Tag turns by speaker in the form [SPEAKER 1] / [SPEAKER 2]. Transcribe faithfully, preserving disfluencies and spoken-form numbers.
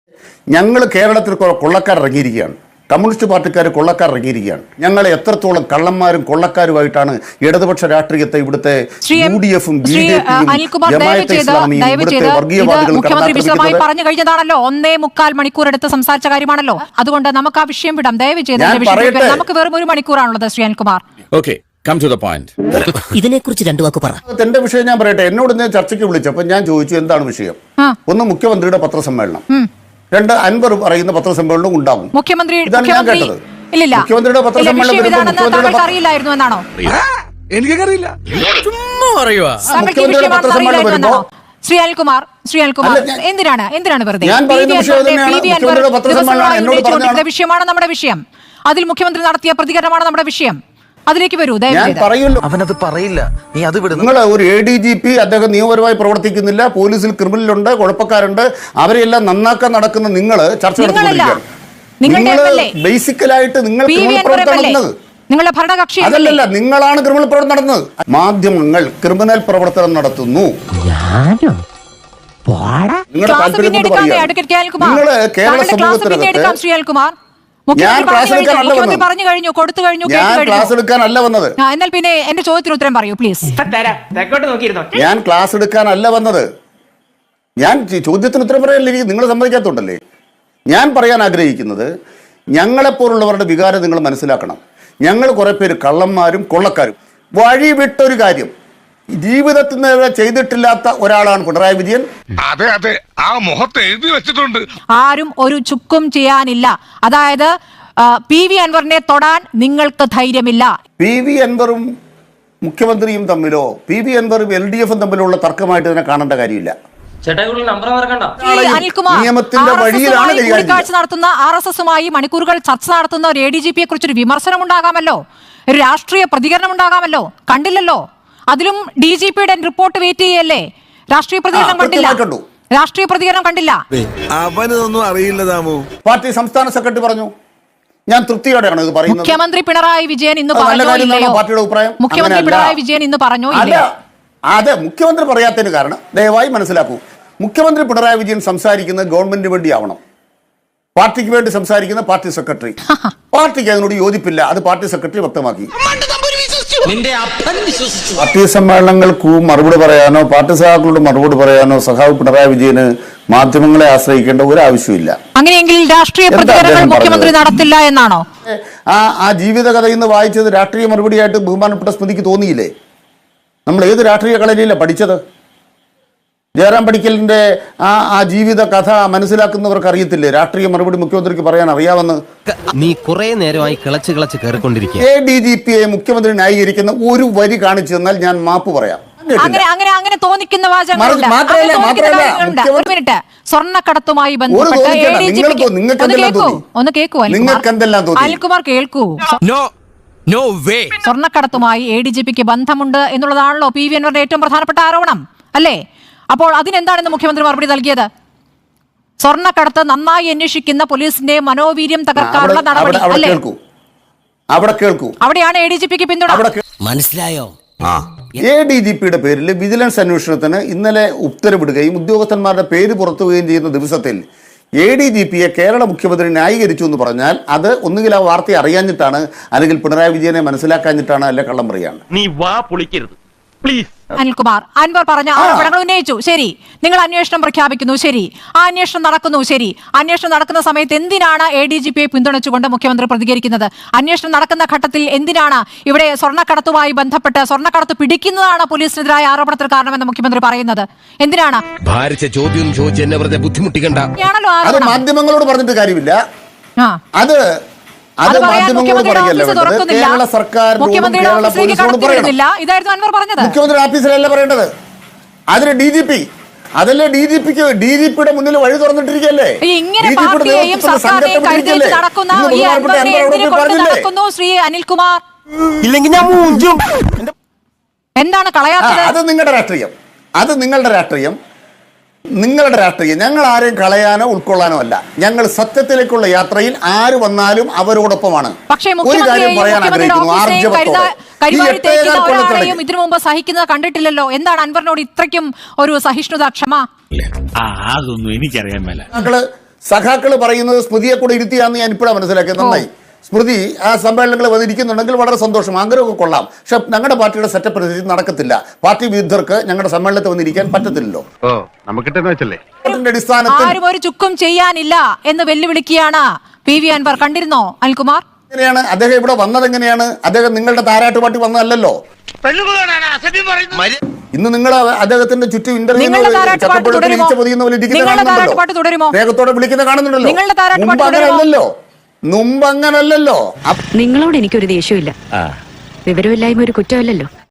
[SPEAKER 1] ഞങ്ങൾ കേരളത്തിൽ കൊള്ളക്കാർ ഇറങ്ങിയിരിക്കുകയാണ്, കമ്മ്യൂണിസ്റ്റ് പാർട്ടിക്കാർ കൊള്ളക്കാർ ഇറങ്ങിയിരിക്കുകയാണ്. ഞങ്ങൾ എത്രത്തോളം കള്ളന്മാരും കൊള്ളക്കാരുമായിട്ടാണ് ഇടതുപക്ഷ രാഷ്ട്രീയത്തെ ഇവിടുത്തെ യു ഡി എഫും ബി ജെ
[SPEAKER 2] മുഖ്യമന്ത്രി വിശദമായി പറഞ്ഞു കഴിഞ്ഞതാണല്ലോ. ഒന്നേ മുക്കാൽ മണിക്കൂർ എടുത്ത് സംസാരിച്ച കാര്യമാണല്ലോ. അതുകൊണ്ട് നമുക്ക് ആ വിഷയം വിടാം. ദയവ് ചെയ്ത് നമുക്ക് വെറും ഒരു മണിക്കൂറാണുള്ളത് Shri Anilkumar.
[SPEAKER 3] Okay, come to the point.
[SPEAKER 4] ഇതിനെക്കുറിച്ച് രണ്ടു വാക്ക് പറ.
[SPEAKER 1] എന്റെ വിഷയം ഞാൻ പറയട്ടെ. എന്നോട് ഞാൻ ചർച്ചയ്ക്ക് വിളിച്ചപ്പോൾ ഞാൻ ചോദിച്ചു എന്താണ് വിഷയം. ഒന്ന് മുഖ്യമന്ത്രിയുടെ പത്രസമ്മേളനം, രണ്ട് അൻവർ പറയുന്ന പത്രസമ്മേളനം ഉണ്ടാകും.
[SPEAKER 2] മുഖ്യമന്ത്രി
[SPEAKER 1] ഇതാണ് ഞാൻ കേട്ടത്. മുഖ്യമന്ത്രിയുടെ പത്രസമ്മേളനം
[SPEAKER 2] അറിയില്ലായിരുന്നു എന്നാണോ?
[SPEAKER 3] എനിക്കറിയില്ല.
[SPEAKER 1] മുഖ്യമന്ത്രിയുടെ പത്രസമ്മേളനം വരുമ്പോ
[SPEAKER 2] ശ്രീ അനിൽകുമാർ ശ്രീ അനിൽകുമാർ എന്തിനാണ് എന്തിനാണ് വെറുതെ വിഷയമാണ് നമ്മുടെ വിഷയം. അതിൽ മുഖ്യമന്ത്രി നടത്തിയ പ്രതികരണമാണ് നമ്മുടെ വിഷയം. അതിലേക്ക് വരൂ.
[SPEAKER 5] അവനത് പറയില്ല, നീ അത് വിടുന്നു.
[SPEAKER 1] നിങ്ങൾ ഒരു എ ഡി ജി പി അദ്ദേഹം നിയമപരമായി പ്രവർത്തിക്കുന്നില്ല, പോലീസിൽ ക്രിമിനലുണ്ട്, കുഴപ്പക്കാരുണ്ട്, അവരെല്ലാം നന്നാക്കാൻ നടക്കുന്ന നിങ്ങൾ ചർച്ച നടത്തിക്കൊണ്ടിരിക്കുകയാണ്. നിങ്ങൾ ബേസിക്കലായിട്ട് നിങ്ങൾ ക്രിമിനൽ പ്രവർത്തനം നടത്തുന്നത്
[SPEAKER 2] നിങ്ങളുടെ ഭരണകക്ഷി
[SPEAKER 1] അതല്ലല്ല, നിങ്ങളാണ് ക്രിമിനൽ പ്രവർത്തനം നടത്തുന്നത്. മാധ്യമങ്ങൾ ക്രിമിനൽ പ്രവർത്തനം നടത്തുന്നു. നിങ്ങളുടെ താല്പര്യം കൊണ്ട് പറയുക. നിങ്ങൾ കേരള സമൂഹത്തിനകത്ത് ഞാൻ ക്ലാസ് എടുക്കാനല്ല വന്നത്.
[SPEAKER 2] എന്നാൽ പിന്നെ എന്റെ ചോദ്യത്തിന് ഉത്തരം പറയൂ പ്ലീസ്.
[SPEAKER 1] ഞാൻ ക്ലാസ് എടുക്കാനല്ല വന്നത്. ഞാൻ ചോദ്യത്തിന് ഉത്തരം പറയാനില്ല, നിങ്ങൾ സമ്മതിക്കാത്തോണ്ടല്ലേ. ഞാൻ പറയാൻ ആഗ്രഹിക്കുന്നത് ഞങ്ങളെപ്പോലുള്ളവരുടെ വികാരം നിങ്ങൾ മനസ്സിലാക്കണം. ഞങ്ങൾ കുറെ പേര് കള്ളന്മാരും കൊള്ളക്കാരും. വഴി വിട്ടൊരു കാര്യം ജീവിതത്തിൽ നിന്ന് ചെയ്തിട്ടില്ലാത്ത ഒരാളാണ് പിണറായി വിജയൻ.
[SPEAKER 6] അതെ അതെ, ആ മുഖത്ത് എഴുതി വെച്ചിട്ടുണ്ട്.
[SPEAKER 2] ആരും ഒരു ചുക്കും ചെയ്യാനില്ല. അതായത് പി വി അൻവറിനെ തൊടാൻ നിങ്ങൾക്ക് ധൈര്യമില്ല.
[SPEAKER 1] പി വി അൻവറും മുഖ്യമന്ത്രിയും തമ്മിലോ പി വി അൻവറും എൽ ഡി എഫും തമ്മിലുള്ള തർക്കമായിട്ട് തന്നെ കാണേണ്ട കാര്യമില്ല. നിയമത്തിന്റെ വഴിയിലാണ്
[SPEAKER 2] കൂടിക്കാഴ്ച നടത്തുന്ന ആർ എസ് എസുമായി മണിക്കൂറുകൾ ചർച്ച നടത്തുന്ന ഒരു എ ഡി ജി പിയെ കുറിച്ചൊരു വിമർശനം ഉണ്ടാകാമല്ലോ, ഒരു രാഷ്ട്രീയ പ്രതികരണം ഉണ്ടാകാമല്ലോ. കണ്ടില്ലല്ലോ. അതിലും ഡി ജി പിയുടെ റിപ്പോർട്ട് വെയിറ്റ് ചെയ്യല്ലേ. രാഷ്ട്രീയ പ്രതികരണം കണ്ടില്ല. രാഷ്ട്രീയ പ്രതികരണം കണ്ടില്ല.
[SPEAKER 5] അവനൊന്നും അറിയില്ല.
[SPEAKER 1] പാർട്ടി സംസ്ഥാന സെക്രട്ടറി പറഞ്ഞു. ഞാൻ തൃപ്തിയോടെയാണ് ഇത് പറയുന്നത്.
[SPEAKER 2] മുഖ്യമന്ത്രി പിണറായി വിജയൻ ഇന്ന് പറഞ്ഞോ ഇല്ലയോ?
[SPEAKER 1] പാർട്ടിയുടെ അഭിപ്രായം
[SPEAKER 2] മുഖ്യമന്ത്രി പിണറായി വിജയൻ ഇന്ന് പറഞ്ഞോ ഇല്ലയോ?
[SPEAKER 1] അതെ, മുഖ്യമന്ത്രി പറയാത്തതിന് കാരണം ദയവായി മനസ്സിലാക്കൂ. മുഖ്യമന്ത്രി പിണറായി വിജയൻ സംസാരിക്കുന്നത് ഗവൺമെന്റിന് വേണ്ടി ആവണം. പാർട്ടിക്ക് വേണ്ടി സംസാരിക്കുന്ന പാർട്ടി സെക്രട്ടറി. പാർട്ടിക്ക് അതിനോട് യോജിപ്പില്ല, അത് പാർട്ടി സെക്രട്ടറി വ്യക്തമാക്കി. പാർട്ടി സമ്മേളനങ്ങൾക്ക് മറുപടി പറയാനോ പാർട്ടി സഹാക്കളോട് മറുപടി പറയാനോ സഖാവ് പിണറായി വിജയന് മാധ്യമങ്ങളെ ആശ്രയിക്കേണ്ട ഒരു ആവശ്യമില്ല.
[SPEAKER 2] അങ്ങനെയെങ്കിൽ രാഷ്ട്രീയ പ്രതികരണങ്ങൾ മുഖ്യമന്ത്രി നടത്തില്ല എന്നാണോ?
[SPEAKER 1] ആ ആ ജീവിതകഥ ഇന്ന് വായിച്ചത് രാഷ്ട്രീയ മറുപടിയായിട്ട് ബഹുമാനപ്പെട്ട സ്മൃതിക്ക് തോന്നിയില്ലേ? നമ്മൾ ഏത് രാഷ്ട്രീയ കളരിയിലാണ് പഠിച്ചത്? ജയറാം പടിക്കലിന്റെ ആ ആ ജീവിത കഥ മനസ്സിലാക്കുന്നവർക്ക് അറിയത്തില്ലേ രാഷ്ട്രീയ മറുപടി മുഖ്യമന്ത്രിക്ക് പറയാൻ അറിയാമെന്ന്?
[SPEAKER 4] നീ കുറെ നേരമായി കിളച്ച് കിളച്ച് കയറിക്കൊണ്ടിരിക്കുക.
[SPEAKER 1] എ ഡി ജി പിയെ മുഖ്യമന്ത്രി ന്യായീകരിക്കുന്ന ഒരു വരി കാണിച്ചു തന്നാൽ ഞാൻ മാപ്പ് പറയാം.
[SPEAKER 2] അങ്ങനെ അങ്ങനെ അങ്ങനെ തോന്നിക്കുന്ന വാചകങ്ങളുണ്ട്. സ്വർണ്ണക്കടത്തുമായി ബന്ധപ്പെട്ട് ഒന്ന് കേൾക്കൂ അനിൽകുമാർ, കേൾക്കൂ. സ്വർണ്ണക്കടത്തുമായി എ ഡി ജി പിക്ക് ബന്ധമുണ്ട് എന്നുള്ളതാണല്ലോ പി വി അൻവറിന്റെ ഏറ്റവും പ്രധാനപ്പെട്ട ആരോപണം അല്ലേ? അപ്പോൾ അതിനെന്താണെന്ന് മുഖ്യമന്ത്രി മറുപടി നൽകിയത്? സ്വർണ്ണക്കടത്ത് നന്നായി അന്വേഷിക്കുന്ന പോലീസിന്റെ മനോവീര്യം തകർക്കാനുള്ള നടപടി അല്ലേ?
[SPEAKER 1] അവിടെ കേൾക്കൂ.
[SPEAKER 2] അവിടെയാണ് എ ഡി ജി പിക്ക് പിന്തുണ.
[SPEAKER 4] മനസ്സിലായോ?
[SPEAKER 1] എ ഡി ജി പിയുടെ പേരിൽ വിജിലൻസ് അന്വേഷണത്തിന് ഇന്നലെ ഉത്തരവിടുകയും ഉദ്യോഗസ്ഥന്മാരുടെ പേര് പുറത്തുവരികയും ചെയ്യുന്ന ദിവസത്തിൽ എ ഡി ജി പിയെ കേരള മുഖ്യമന്ത്രി ന്യായീകരിച്ചു എന്ന് പറഞ്ഞാൽ അത് ഒന്നുകിൽ ആ വാർത്ത അറിയാഞ്ഞിട്ടാണ്, അല്ലെങ്കിൽ പിണറായി വിജയനെ മനസ്സിലാക്കാഞ്ഞിട്ടാണ്, അല്ലെ കള്ളം പറയാണ്.
[SPEAKER 7] നീ വാ പൊളിക്കരുത് പ്ലീസ്.
[SPEAKER 2] അനിൽകുമാർ, അൻവർ പറഞ്ഞ ആരോപണങ്ങൾ ഉന്നയിച്ചു. ശരി, നിങ്ങൾ അന്വേഷണം പ്രഖ്യാപിക്കുന്നു. ശരി, ആ അന്വേഷണം നടക്കുന്നു. ശരി, അന്വേഷണം നടക്കുന്ന സമയത്ത് എന്തിനാണ് എ ഡി ജി പിയെ പിന്തുണച്ചുകൊണ്ട് മുഖ്യമന്ത്രി പ്രതികരിക്കുന്നത്? അന്വേഷണം നടക്കുന്ന ഘട്ടത്തിൽ എന്തിനാണ് ഇവിടെ സ്വർണ്ണക്കടത്തുമായി ബന്ധപ്പെട്ട് സ്വർണ്ണക്കടത്ത് പിടിക്കുന്നതാണ് പോലീസിനെതിരായ ആരോപണത്തിന് കാരണമെന്ന് മുഖ്യമന്ത്രി പറയുന്നത്? എന്തിനാണ്?
[SPEAKER 3] ചോദ്യം ബുദ്ധിമുട്ടിക്കണ്ട.
[SPEAKER 1] മാധ്യമങ്ങളോട് പറഞ്ഞിട്ട് കാര്യമില്ല. അത് അത് മാധ്യമങ്ങളോട് പറയല്ല, കേരള സർക്കാർ മുഖ്യമന്ത്രി ഓഫീസിലല്ല പറയേണ്ടത്. അതിന് ഡി ജി പി അതല്ലേ ഡി ജി പിക്ക് ഡി ജി പിയുടെ മുന്നിൽ വഴി തുറന്നിട്ടിരിക്കല്ലേ?
[SPEAKER 2] ശ്രീ അനിൽകുമാർ, എന്താണ് കളയാത്തത്?
[SPEAKER 1] അത് നിങ്ങളുടെ രാഷ്ട്രീയം, അത് നിങ്ങളുടെ രാഷ്ട്രീയം, നിങ്ങളുടെ രാഷ്ട്രീയം. ഞങ്ങൾ ആരെയും കളയാനോ ഉൾക്കൊള്ളാനോ അല്ല. ഞങ്ങൾ സത്യത്തിലേക്കുള്ള യാത്രയിൽ ആര് വന്നാലും അവരോടൊപ്പമാണ്. ഒരു കാര്യം പറയാൻ ആഗ്രഹിക്കുന്നു,
[SPEAKER 2] ആർജവത്തോടെ ഇതിനു മുമ്പ് സഹിക്കുന്നത് കണ്ടിട്ടില്ലല്ലോ. എന്താണ് അൻവറിനോട് ഇത്രയ്ക്കും ഒരു സഹിഷ്ണുത, ക്ഷമ?
[SPEAKER 7] അതൊന്നും എനിക്കറിയാൻ മേല.
[SPEAKER 1] ഞങ്ങള് സഖാക്കൾ പറയുന്നത് സ്മൃതിയെ കൂടെ ഇരുത്തിയാന്ന് ഞാൻ ഇപ്പോഴാണ് മനസ്സിലാക്കിയത്. നന്നായി. സ്മൃതി ആ സമ്മേളനങ്ങൾ വന്നിരിക്കുന്നുണ്ടെങ്കിൽ വളരെ സന്തോഷം, ആഗ്രഹമൊക്കെ കൊള്ളാം. പക്ഷെ ഞങ്ങളുടെ പാർട്ടിയുടെ സെറ്റപ്പ് അനുസരിച്ച് നടക്കത്തില്ല. പാർട്ടി വിരുദ്ധർക്ക് ഞങ്ങളുടെ സമ്മേളനത്തിൽ വന്നിരിക്കാൻ പറ്റത്തില്ലല്ലോ.
[SPEAKER 6] ഓ നമുക്കിട്ടെന്ന് വെച്ചല്ലേ
[SPEAKER 1] അടിസ്ഥാനത്തിൽ
[SPEAKER 2] ആരും ഒരു ചുക്കും ചെയ്യാനില്ല എന്ന് വെല്ലുവിളിക്കുകയാണ് പി വി അൻവർ. കണ്ടിരുന്നോ അനിൽകുമാർ?
[SPEAKER 1] എങ്ങനെയാണ് അദ്ദേഹം ഇവിടെ വന്നത്? എങ്ങനെയാണ് അദ്ദേഹം നിങ്ങളുടെ താരാട്ട് പാർട്ടി വന്നതല്ലോ. ഇന്ന് നിങ്ങൾ അദ്ദേഹത്തിന്റെ ചുറ്റും ഇന്റർവ്യൂ
[SPEAKER 2] നിങ്ങളുടെ താരാട്ടുപാട്ട് തുടരുമോ? നിങ്ങളുടെ താരാട്ടുപാട്ട് തുടരുമോ?
[SPEAKER 1] സ്നേഹത്തോടെ വിളിക്കുന്ന കാണുന്നുണ്ടല്ലോ.
[SPEAKER 2] നിങ്ങളുടെ താരാട്ടുപാട്ട്
[SPEAKER 1] മുമ്പ്
[SPEAKER 2] തുടരുമോ?
[SPEAKER 1] അങ്ങനല്ലല്ലോ. മുമ്പ് അങ്ങനല്ലല്ലോ.
[SPEAKER 8] നിങ്ങളോട് എനിക്കൊരു ദേഷ്യമില്ല. വിവരമില്ലായ്മ ഒരു കുറ്റമല്ലല്ലോ.